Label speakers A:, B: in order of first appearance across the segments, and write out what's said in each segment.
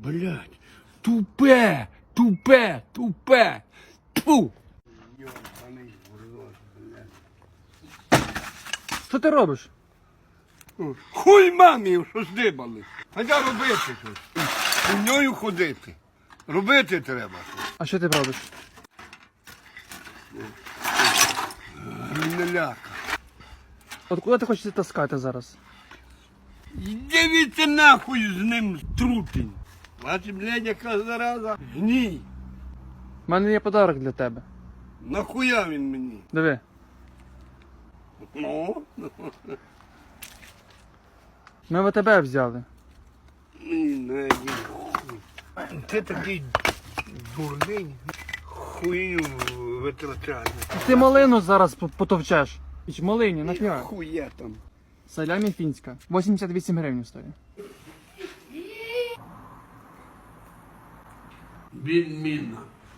A: Блядь, тупе, тупе, тупе. Тьфу!
B: Що ти робиш?
A: Хуй мамі, що здибали. Хоча робити щось. Хуйньою ходити. Робити треба.
B: А що ти робиш?
A: Не ляка.
B: От куди ти хочеш це таскати зараз?
A: Дивіться нахуй з ним трутень. Бачиш, блядь, яка зараза. Гній.
B: У мене є подарок для тебе.
A: Нахуя він мені?
B: Диви.
A: Ну,
B: Ми в тебе взяли.
A: мені не є хуй. Ти такий дурний. Хуйню витрачаєш.
B: Ти малину зараз потовчеш. Іч малині, нафіга.
A: Хуя там.
B: Салямі фінська. 88 гривень стоїть.
A: Відмінно.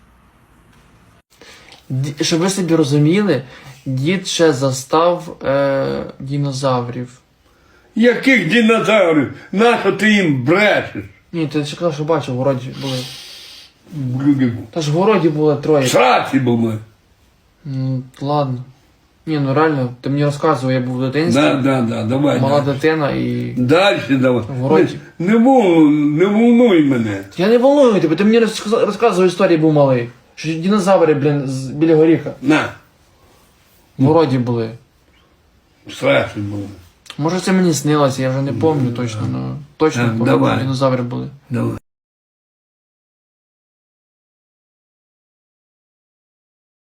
B: Щоб ви собі розуміли, дід ще застав динозаврів.
A: Яких динозаврів? Нащо ти їм брешеш?
B: Ні, ти ще казав, що бачив, в городі були.
A: Блюдику.
B: Та ж в городі було троє.
A: Сраці був ми.
B: Ну, ладно. Ні, ну реально, ти мені розказував, я був в дитинстві,
A: Да, давай.
B: мала дитина і...
A: Дальше давай.
B: В городі.
A: Не волнуй мене.
B: Я не волную тебе, ти мені розказував історії, був малий. Що динозаври, блін, біля горіха.
A: На.
B: В городі були.
A: Сраці був.
B: Може це мені снилося, я вже не пам'ятаю точно, але точно
A: Так,
B: пам'ятаю,
A: давай.
B: динозаври були.
A: Давай.